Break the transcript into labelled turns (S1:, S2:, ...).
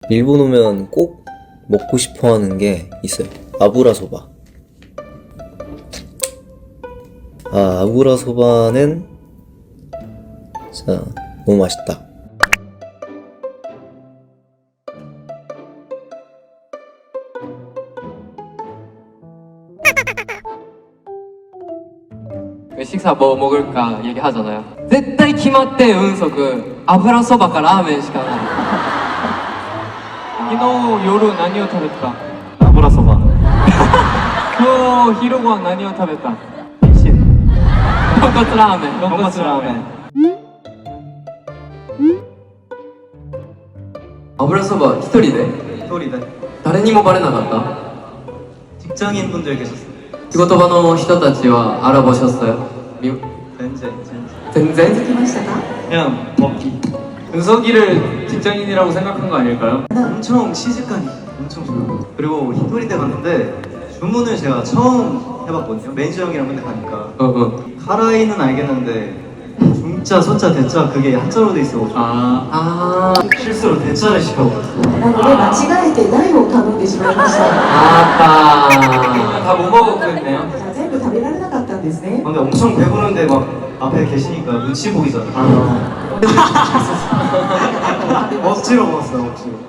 S1: 일본 오면 꼭 먹고 싶어 하는 게 있어요. 아부라 소바. 아부라 소바는 진짜 너무 맛있다.
S2: 식사 뭐 먹을까 얘기하잖아요. 絶対決まって運足油そばかラーメンしかない。昨日夜何を食べた？
S3: 油そば。
S2: 今日昼ご飯何を食べた？豚骨ラーメン。
S3: 豚骨ラーメン。
S2: 油そば一人で？
S3: 一人で。
S2: 誰にもバレなかった？
S3: 직장인분들 계셨어요.
S2: 仕事場の人たちは알아보셨어요?
S3: 젠젠.
S2: 젠젠?
S3: 그냥 먹기.
S2: 은석이를 직장인이라고 생각한 거 아닐까요?
S3: 엄청 시집가니 엄청 좋아요. 그리고 히토리대 갔는데 주문을 제가 처음 해봤거든요. 매니저 형이랑 맨날 가니까. 카라이는 알겠는데 중자, 소자, 대자 그게 한자로 돼 있어가지고 실수로 대자를 시켜버렸어요.
S4: なので間違えて大を頼んでしまいました。
S2: 아빠 다 못 먹었겠네요.
S4: 全部食べられなかったんですね。
S3: 근데 엄청 배부른데 막 앞에 계시니까 눈치 보이잖아요. 억지로 먹었어요, 억지로.